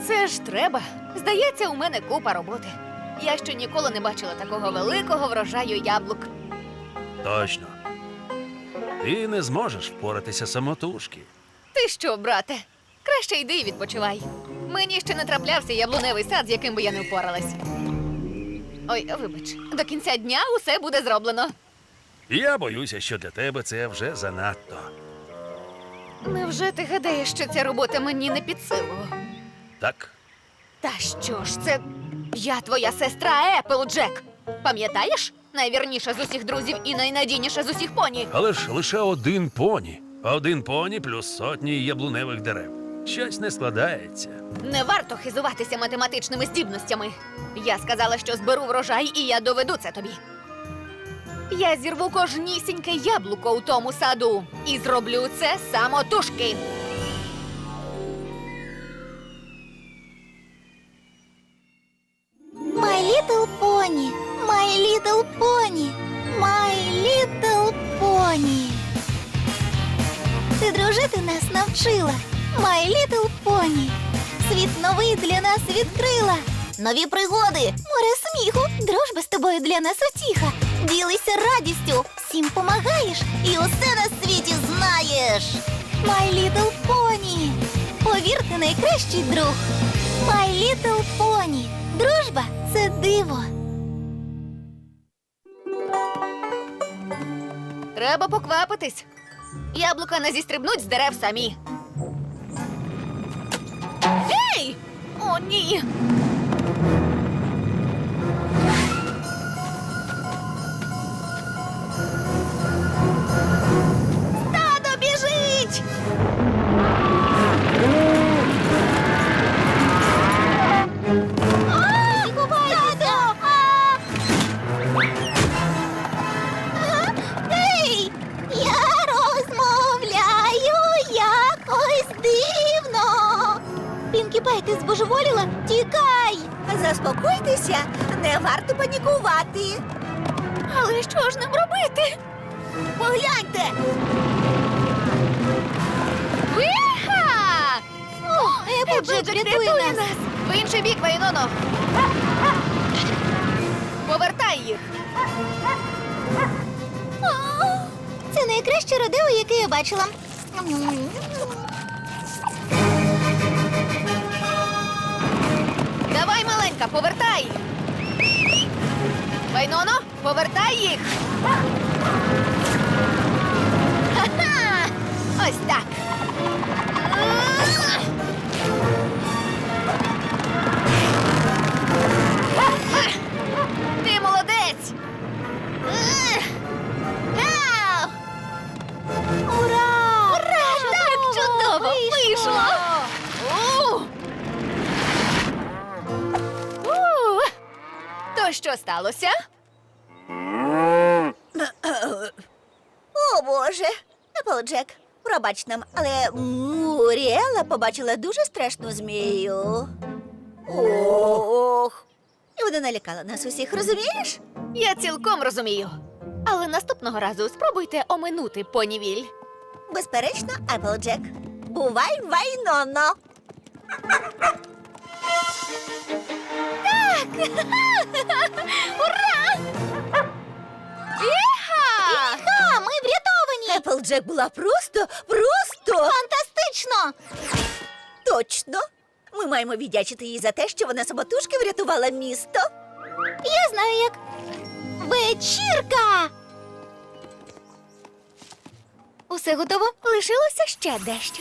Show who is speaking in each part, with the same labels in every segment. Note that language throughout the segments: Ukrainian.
Speaker 1: Це ж треба. Здається, у мене купа роботи. Я ще ніколи не бачила такого великого врожаю яблук.
Speaker 2: Точно. Ти не зможеш впоратися самотужки.
Speaker 1: Ти що, брате? Краще йди і відпочивай. Мені ще не траплявся яблуневий сад, з яким би я не впоралась. Ой, вибач, до кінця дня усе буде зроблено.
Speaker 2: Я боюся, що для тебе це вже занадто.
Speaker 1: Невже ти гадаєш, що ця робота мені не під силу?
Speaker 2: Так?
Speaker 1: Та що ж це? Я твоя сестра Еплджек. Пам'ятаєш? Найвірніша з усіх друзів і найнадійніша з усіх поні.
Speaker 2: Але ж лише один поні. Один поні плюс сотні яблуневих дерев. Щось не складається.
Speaker 1: Не варто хизуватися математичними здібностями. Я сказала, що зберу врожай, і я доведу це тобі. Я зірву кожнісіньке яблуко у тому саду і зроблю це самотужки.
Speaker 3: My Little Pony, My Little Pony, My Little Pony. Ти дружити нас навчила, My Little Pony. Світ новий для нас відкрила. Нові пригоди, море сміху, дружба з тобою для нас утіха. Ділися радістю, всім помагаєш і усе на світі знаєш. My Little Pony. Повірте, найкращий друг. My Little Pony. Дружба – це диво.
Speaker 1: Треба поквапитись. Яблука не зістрибнуть з дерев самі. Ей! О, ні! Стадо біжить!
Speaker 3: Ей! Я розмовляю якось дивно. Пінкі Пай, ти збожеволіла? Тікай!
Speaker 4: Заспокойтеся, не варто панікувати.
Speaker 1: Але що ж нам робити?
Speaker 4: Погляньте!
Speaker 1: Виха!
Speaker 3: Еплджек рятує нас.
Speaker 1: В інший бік, Вайноно! Повертай їх!
Speaker 3: Це найкраще родео, яке я бачила.
Speaker 1: Давай, маленька, повертай! Вайноно, повертай їх! Ха-ха! Ось так! Ти молодець! Ау!
Speaker 3: Ура!
Speaker 1: Ура! Так чудово вийшло! То що сталося?
Speaker 4: О, Боже! Еплджек, пробач нам, але Муріела побачила дуже страшну змію. Ох! І вона налякала нас усіх, розумієш?
Speaker 1: Я цілком розумію. Але наступного разу спробуйте оминути понівіль.
Speaker 4: Безперечно, Еплджек. Бувай, Вайноно!
Speaker 1: Ура! Іха!
Speaker 3: Ха, ми врятовані!
Speaker 4: Еплджек була просто
Speaker 3: Фантастично!
Speaker 4: точно! Ми маємо віддячити їй за те, що вона самотужки врятувала місто.
Speaker 3: Я знаю як. Вечірка! Усе готово?
Speaker 1: Лишилося ще дещо.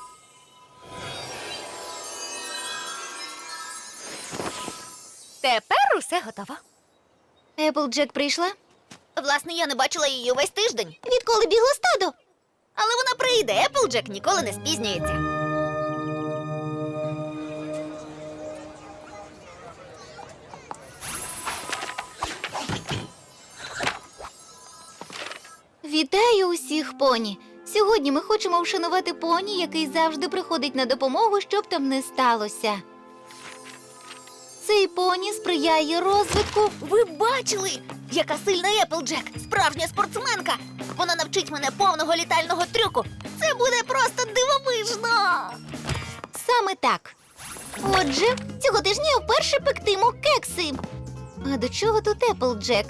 Speaker 1: Тепер усе готово.
Speaker 3: Еплджек прийшла?
Speaker 1: Власне, я не бачила її увесь тиждень.
Speaker 3: Відколи бігло стадо?
Speaker 1: Але вона прийде, Еплджек ніколи не спізнюється.
Speaker 3: Вітаю усіх, поні! Сьогодні ми хочемо вшанувати поні, який завжди приходить на допомогу, щоб там не сталося. Цей поні сприяє розвитку.
Speaker 1: Ви бачили, яка сильна Еплджек, справжня спортсменка. Вона навчить мене повного літального трюку. Це буде просто дивовижно.
Speaker 3: Саме так. Отже, цього тижня я вперше пектиму кекси. А до чого тут Еплджек?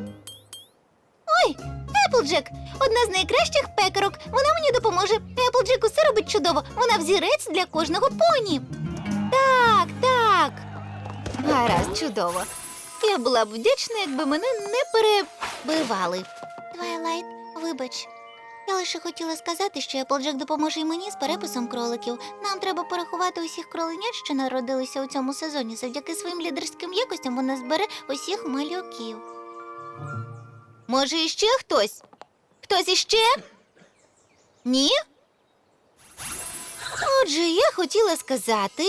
Speaker 3: Ой, Еплджек! Одна з найкращих пекарок. Вона мені допоможе. Еплджек усе робить чудово. Вона взірець для кожного поні. Так, так. Гаразд, чудово. Я була б вдячна, якби мене не перебивали. Твайлайт, вибач. Я лише хотіла сказати, що Еплджек допоможе й мені з переписом кроликів. Нам треба порахувати усіх кроленят, що народилися у цьому сезоні. Завдяки своїм лідерським якостям вона збере усіх малюків. Може, іще хтось? Хтось іще? Ні? Отже, я хотіла сказати.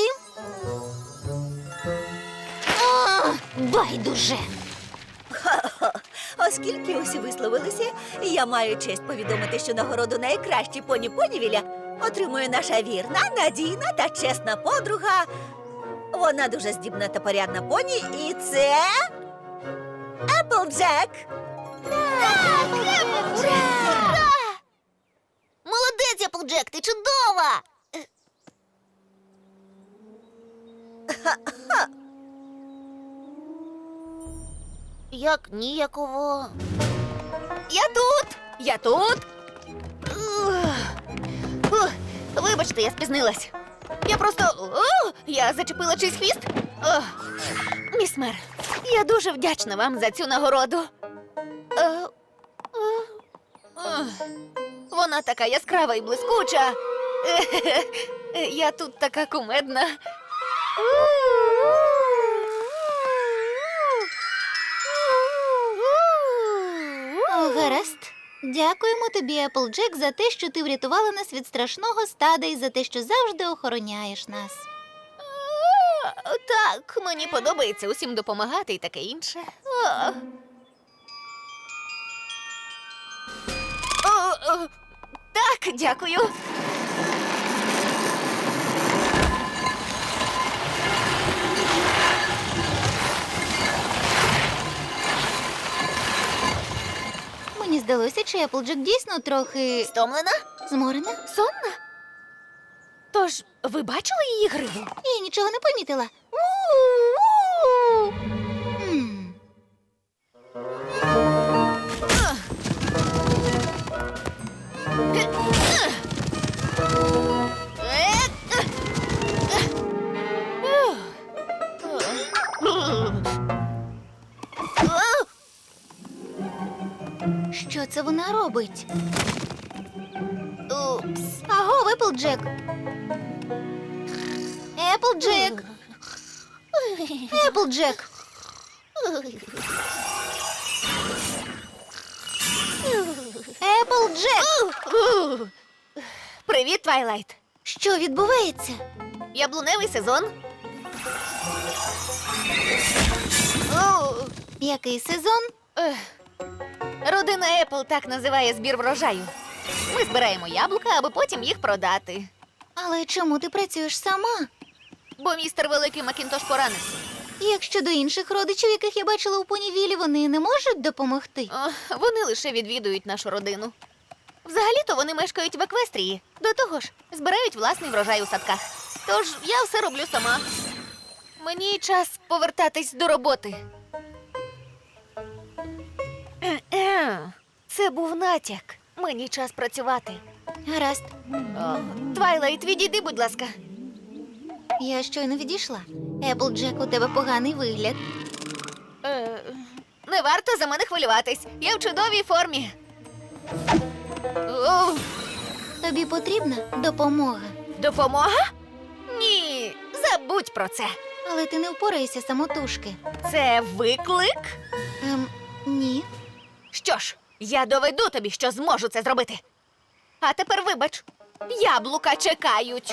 Speaker 3: Байдуже.
Speaker 4: Оскільки усі висловилися, я маю честь повідомити, що нагороду найкращий поні Понівіля отримує наша вірна, надійна та чесна подруга. Вона дуже здібна та порядна поні, і це Еплджек.
Speaker 3: Молодець, Еплджек, ти чудова! Як ніяково.
Speaker 1: Я тут! Я тут! Вибачте, я спізнилась. Я просто. Я зачепила чийсь хвіст. Міс Мер, я дуже вдячна вам за цю нагороду. Вона така яскрава і блискуча. Я тут така кумедна.
Speaker 3: Гаразд. Дякуємо тобі, Еплджек, за те, що ти врятувала нас від страшного стада і за те, що завжди охороняєш нас.
Speaker 1: Так, мені подобається усім допомагати і таке інше. Так, дякую.
Speaker 3: Мені здалося, чи Еплджек дійсно трохи
Speaker 1: Стомлена?
Speaker 3: зморена.
Speaker 1: Сонна? Тож, ви бачили її гриву?
Speaker 3: Я нічого не помітила. У-у-у! М. Що це вона робить?
Speaker 1: Упс.
Speaker 3: Аго, Еплджек! Еплджек! Еплджек! Еплджек!
Speaker 1: Привіт, Твайлайт.
Speaker 3: Що відбувається?
Speaker 1: Яблуневий сезон. О,
Speaker 3: Який сезон?
Speaker 1: Родина Епл так називає збір врожаю. Ми збираємо яблука, аби потім їх продати.
Speaker 3: Але чому ти працюєш сама?
Speaker 1: Бо містер Великий Макінтош поранився.
Speaker 3: Як щодо інших родичів, яких я бачила у Понівілі, вони не можуть допомогти?
Speaker 1: Вони лише відвідують нашу родину. Взагалі-то вони мешкають в Еквестрії. До того ж, збирають власний врожай у садках. Тож я все роблю сама. Мені час повертатись до роботи. Це був натяк. Мені час працювати.
Speaker 3: Гаразд,
Speaker 1: Твайлайт, відійди, будь ласка.
Speaker 3: я щойно відійшла. Еплджек, у тебе поганий вигляд.
Speaker 1: Не варто за мене хвилюватись. Я в чудовій формі. О,
Speaker 3: Тобі потрібна допомога.
Speaker 1: допомога? Ні, забудь про це.
Speaker 3: Але ти не впораєшся самотужки.
Speaker 1: Це виклик?
Speaker 3: Ні.
Speaker 1: Що ж, я доведу тобі, що зможу це зробити. А тепер вибач, яблука чекають.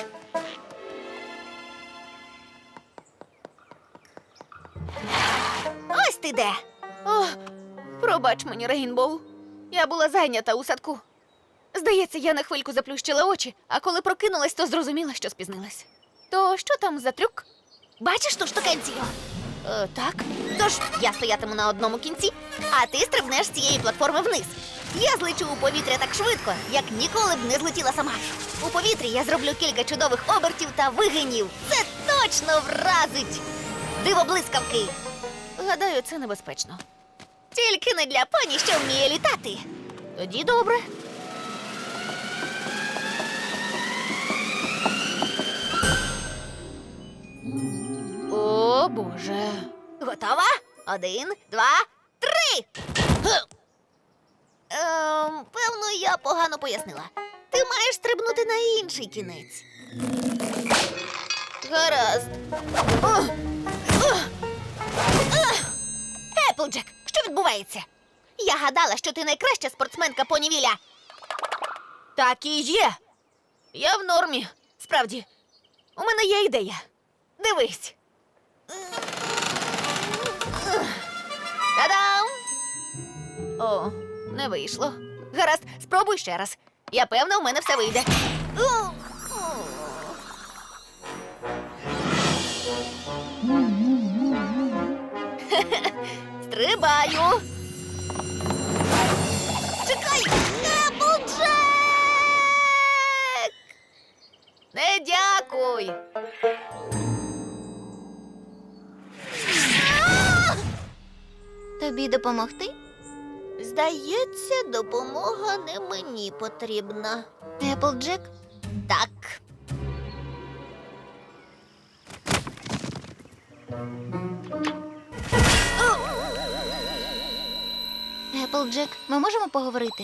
Speaker 1: Ось ти де. О, пробач мені, Рейнбоу. Я була зайнята у садку. Здається, я на хвильку заплющила очі, а коли прокинулась, то зрозуміла, що спізнилась. То що там за трюк? Бачиш ту штукенцію? Так. Тож я стоятиму на одному кінці, а ти стрибнеш з цієї платформи вниз. Я злечу у повітря так швидко, як ніколи б не злетіла сама. У повітрі я зроблю кілька чудових обертів та вигинів. Це точно! точно вразить! Диво блискавки! Гадаю, це небезпечно. Тільки не для поні, що вміє літати. Тоді добре. О, Боже. Готова? 1, 2, 3. Певно, я погано пояснила. Ти маєш стрибнути на інший кінець. Гаразд. Еплджек, що відбувається? Я гадала, що ти найкраща спортсменка понівіля. Так і є. Я в нормі. Справді. У мене є ідея. Дивись. Та-дам! О, не вийшло. Гаразд, спробуй ще раз. Я певна, у мене все вийде. Стрибаю. Чекай! Еплджек! Не дякуй.
Speaker 3: Тобі допомогти?
Speaker 1: Здається, допомога не мені потрібна.
Speaker 3: Еплджек?
Speaker 1: Так.
Speaker 3: Еплджек, ми можемо поговорити?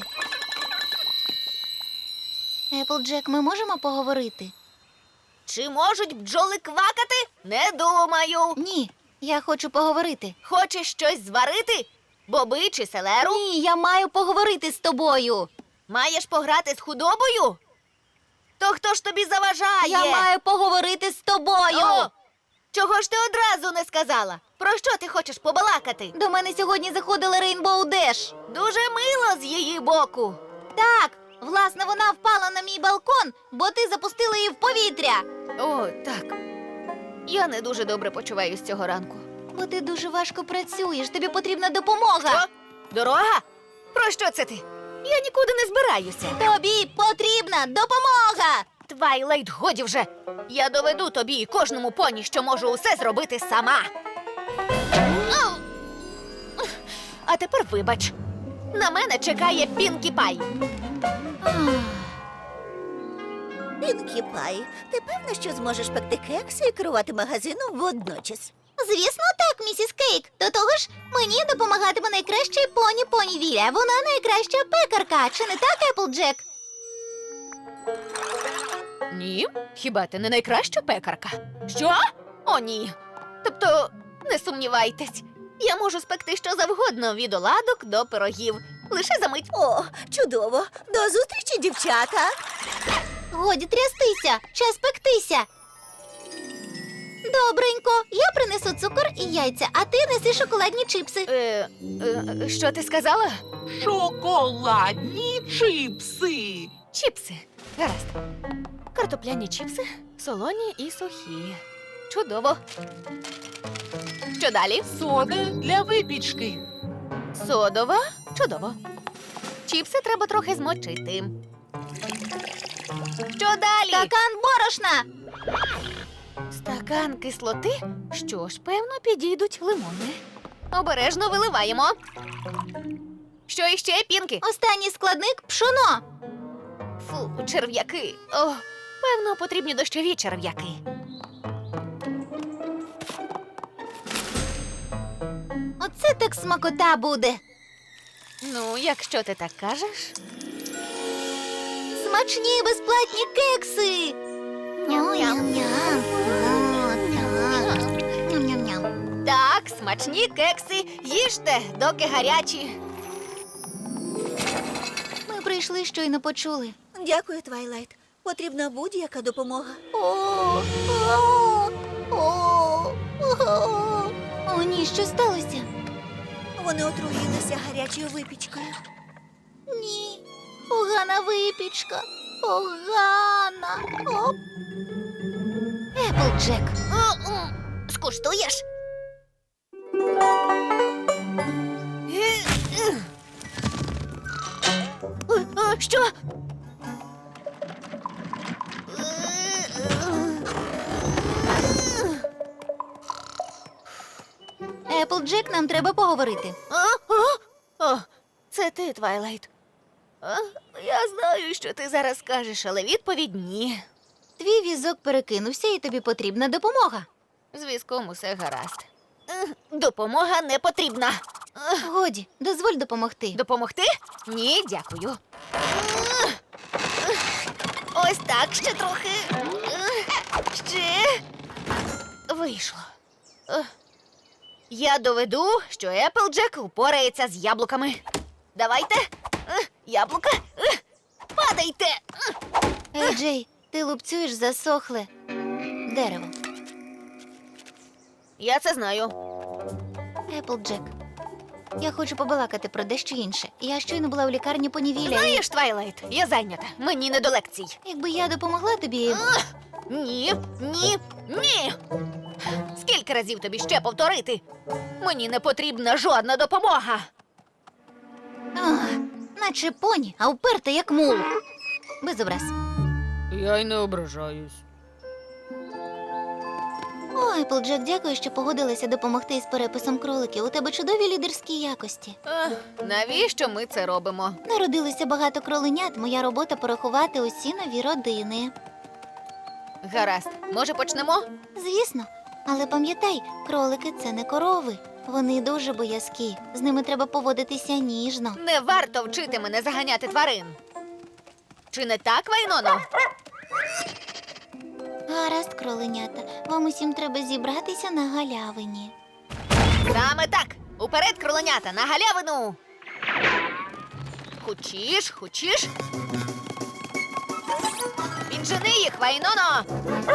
Speaker 3: Еплджек, ми можемо поговорити?
Speaker 1: Чи можуть бджоли квакати? Не думаю.
Speaker 3: Ні, я хочу поговорити.
Speaker 1: Хочеш щось зварити? Боби чи селеру?
Speaker 3: Ні, я маю поговорити з тобою.
Speaker 1: Маєш пограти з худобою? То хто ж тобі заважає?
Speaker 3: Я маю поговорити з тобою.
Speaker 1: О, чого ж ти одразу не сказала? Про що ти хочеш побалакати?
Speaker 3: До мене сьогодні заходила Рейнбоу Деш.
Speaker 1: Дуже мило з її боку.
Speaker 3: Так, власне, вона впала на мій балкон, бо ти запустила її в повітря.
Speaker 1: О, так. Я не дуже добре почуваюсь цього ранку.
Speaker 3: Бо ти дуже важко працюєш, тобі потрібна допомога.
Speaker 1: Що? Дорога? Про що це ти? Я нікуди не збираюся.
Speaker 3: Тобі потрібна допомога.
Speaker 1: Твайлайт, годі вже. Я доведу тобі і кожному поні, що можу усе зробити сама. А тепер вибач. На мене чекає Пінкі Пай.
Speaker 4: Пінкі Пай, ти певна, що зможеш пекти кекси і керувати магазином водночас?
Speaker 3: Звісно, так, місіс Кейк. До того ж, мені допомагатиме найкращий поні Понівіля. Вона найкраща пекарка. Чи не так, Еплджек?
Speaker 1: Ні, хіба ти не найкраща пекарка? Що? О, ні. Тобто, не сумнівайтесь. Я можу спекти що завгодно, від оладок до пирогів. Лише за мить.
Speaker 4: О, чудово! До зустрічі, дівчата!
Speaker 3: Годі трястися, час пектися. Добренько, я принесу цукор і яйця, а ти неси шоколадні чипси.
Speaker 1: Що ти сказала?
Speaker 5: Шоколадні чипси.
Speaker 1: Чіпси. Гаразд. Картопляні чіпси, солоні і сухі. Чудово. Що далі?
Speaker 5: Сода для випічки.
Speaker 1: Содова. Чудово. Чіпси треба трохи змочити. Що далі?
Speaker 3: Стакан борошна.
Speaker 1: Стакан кислоти? Що ж, певно, підійдуть лимони. Обережно виливаємо. Що іще, Пінкі?
Speaker 3: Останній складник пшоно.
Speaker 1: Фу, черв'яки. О, певно, потрібні дощові черв'яки.
Speaker 3: Оце так смакота буде.
Speaker 1: Ну, якщо ти так кажеш.
Speaker 3: Смачні безплатні кекси. Ням-ням-ням. Ням-ням-ням.
Speaker 1: Так, смачні кекси, їжте, доки гарячі.
Speaker 3: Ми прийшли, щойно почули.
Speaker 4: Дякую, Твайлайт. Потрібна будь-яка допомога.
Speaker 3: О, ні, що сталося?
Speaker 4: Вони отруїлися гарячою випічкою.
Speaker 3: Ні, погана випічка. Погана. Оп. Еплджек.
Speaker 1: Скуштуєш? Що?
Speaker 3: Еплджек, нам треба поговорити.
Speaker 1: О, це ти, Твайлайт. Я знаю, що ти зараз скажеш, але відповідь ні.
Speaker 3: Твій візок перекинувся і тобі потрібна допомога.
Speaker 1: З візком усе гаразд. Допомога не потрібна.
Speaker 3: Годі, дозволь допомогти.
Speaker 1: Допомогти? Ні, дякую. Ось так, ще трохи. Ще. Вийшло. Я доведу, що Еплджек упорається з яблуками. Давайте. Яблука. Падайте.
Speaker 3: Ей, Джей, ти лупцюєш засохле дерево.
Speaker 1: Я це знаю.
Speaker 3: Еплджек, я хочу побалакати про дещо інше. Я щойно була у лікарні понівіля.
Speaker 1: Знаєш, Твайлайт, я зайнята. Мені не до лекцій.
Speaker 3: Якби я допомогла тобі.
Speaker 1: Ні, ні, ні. Скільки разів тобі ще повторити? Мені не потрібна жодна допомога.
Speaker 3: Ах, наче поні, а вперта як мул. Без образ.
Speaker 1: Я й не ображаюсь.
Speaker 3: О, Еплджек, дякую, що погодилася допомогти із переписом кроликів. У тебе чудові лідерські якості.
Speaker 1: Навіщо ми це робимо?
Speaker 3: Народилося багато кроленят. Моя робота порахувати усі нові родини.
Speaker 1: Гаразд, може почнемо?
Speaker 3: Звісно, але пам'ятай, кролики це не корови. Вони дуже боязкі. З ними треба поводитися ніжно.
Speaker 1: Не варто вчити мене заганяти тварин. Чи не так, Вайноно?
Speaker 3: Гаразд, кроленята. Вам усім треба зібратися на галявині.
Speaker 1: Саме так. Уперед, кроленята, на галявину. Хочеш, хочеш? Піджени їх, Вайноно.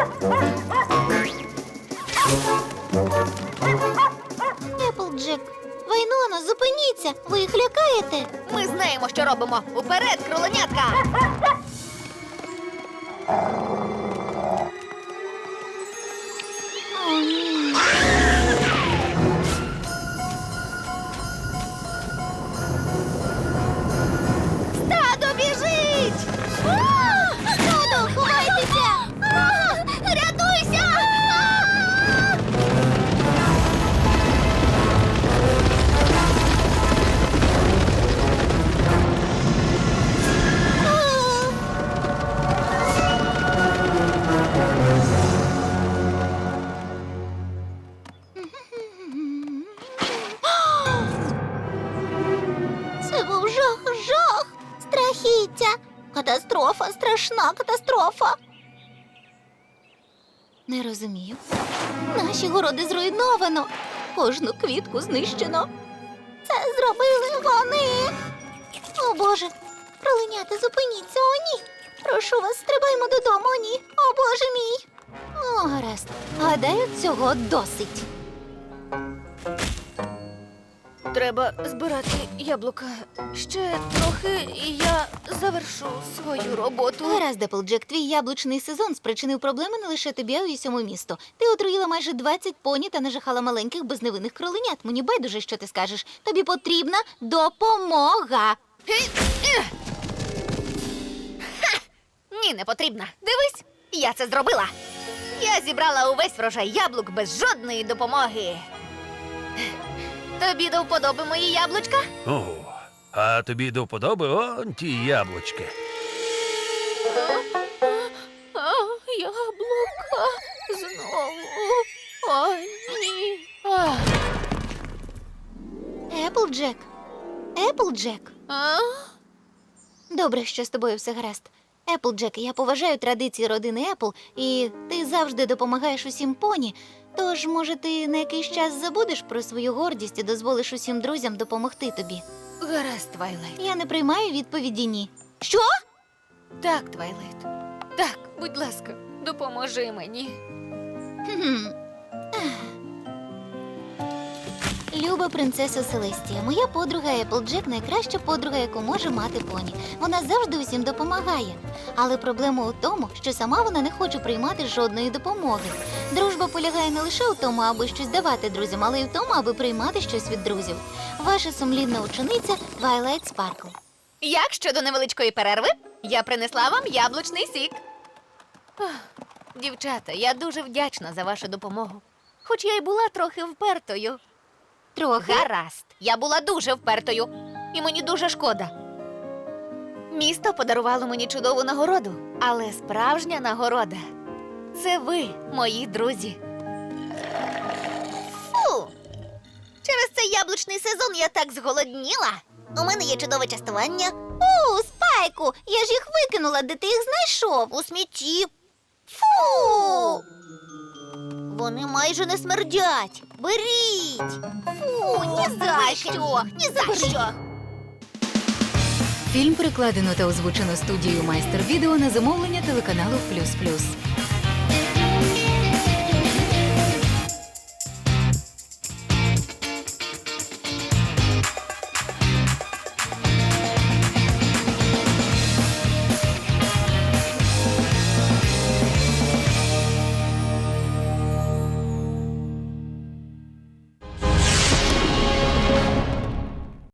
Speaker 3: Еплджек, Вайноно, зупиніться! Ви їх лякаєте?
Speaker 1: Ми знаємо, що робимо. Уперед, кроленятка.
Speaker 3: О, ні.
Speaker 1: Стадо біжить!
Speaker 3: Стадо, ховайтеся!
Speaker 1: Рятуйся!
Speaker 3: Це був жах! Страхіття! Катастрофа, страшна катастрофа! Не розумію. Наші городи зруйновано. Кожну квітку знищено. Це зробили вони. О, Боже! Кроленята, зупиніться, о, ні! Прошу вас, стрибаймо додому, о, ні! О, Боже мій! О, гаразд. Гадаю, цього досить.
Speaker 1: Треба збирати яблука. Ще трохи, і я завершу свою роботу.
Speaker 3: Гаразд, Еплджек, твій яблучний сезон спричинив проблеми не лише тобі, а й усьому місту. Ти отруїла майже 20 поні та нажахала маленьких безневинних кроленят. Мені байдуже, що ти скажеш. Тобі потрібна допомога.
Speaker 1: Ні, не потрібна. Дивись, я це зробила. Я зібрала увесь врожай яблук без жодної допомоги. Тобі до вподоби мої яблучка?
Speaker 2: О, а тобі до вподоби он ті яблучки.
Speaker 1: Яблука знову. О, ні.
Speaker 3: Еплджек. Еплджек.
Speaker 1: А?
Speaker 3: Добре, що з тобою все гаразд. Еплджек, я поважаю традиції родини Епл, і ти завжди допомагаєш усім поні. Тож, може, ти на якийсь час забудеш про свою гордість і дозволиш усім друзям допомогти тобі.
Speaker 1: Гаразд, Твайлайт.
Speaker 3: Я не приймаю відповіді ні. Що?
Speaker 1: Так, Твайлайт. Так, будь ласка, допоможи мені.
Speaker 3: Хм. Люба принцеса Селестія, моя подруга Еплджек найкраща подруга, яку може мати поні. Вона завжди усім допомагає. Але проблема у тому, що сама вона не хоче приймати жодної допомоги. Дружба полягає не лише у тому, аби щось давати друзям, але й в тому, аби приймати щось від друзів. Ваша сумлінна учениця Твайлайт Спаркл.
Speaker 1: Як щодо невеличкої перерви, я принесла вам яблучний сік. Дівчата, я дуже вдячна за вашу допомогу. Хоч я й була трохи впертою.
Speaker 3: Трохи.
Speaker 1: Гаразд. Я була дуже впертою, і мені дуже шкода. Місто подарувало мені чудову нагороду, але справжня нагорода – це ви, мої друзі.
Speaker 3: Фу. Через цей яблучний сезон я так зголодніла. У мене є чудове частування. Спайку, я ж їх викинула, де ти їх знайшов? У смітті. Фу! Вони майже не смердять. Беріть. Фу, ні за що, ні за що.
Speaker 6: Фільм перекладено та озвучено студією Майстер Відео на замовлення телеканалу Плюс Плюс.